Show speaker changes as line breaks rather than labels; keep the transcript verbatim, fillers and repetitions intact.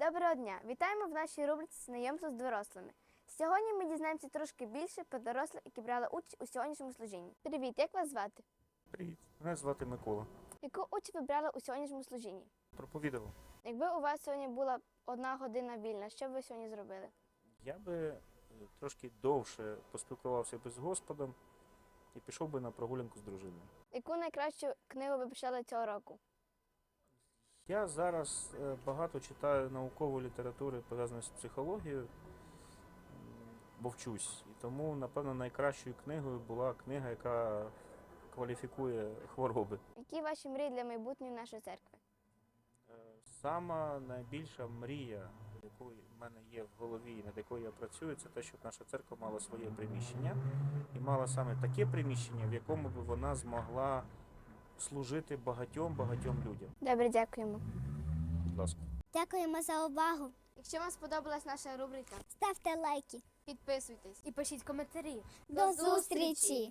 Доброго дня! Вітаємо в нашій рубриці «Знайомство з дорослими». Сьогодні ми дізнаємося трошки більше про дорослих, які брали участь у сьогоднішньому служінні. Привіт, як вас звати?
Привіт, мене звати Микола.
Яку участь ви брали у сьогоднішньому служінні?
Проповідував.
Якби у вас сьогодні була одна година вільна, що б ви сьогодні зробили?
Я би е, трошки довше поспілкувався би з Господом і пішов би на прогулянку з дружиною.
Яку найкращу книгу ви почали цього року?
Я зараз е, багато читаю наукової літератури, пов'язаної з психологією, м, бо вчусь. І тому, напевно, найкращою книгою була книга, яка кваліфікує хвороби.
Які ваші мрії для майбутньої нашої церкви?
Е, Сама найбільша мрія, яку в мене є в голові і над якою я працюю, це те, щоб наша церква мала своє приміщення і мала саме таке приміщення, в якому б вона змогла служити багатьом-багатьом людям.
Добре, дякуємо.
Будь ласка.
Дякуємо за увагу.
Якщо вам сподобалась наша рубрика,
Ставте лайки.
підписуйтесь і пишіть коментарі.
До зустрічі!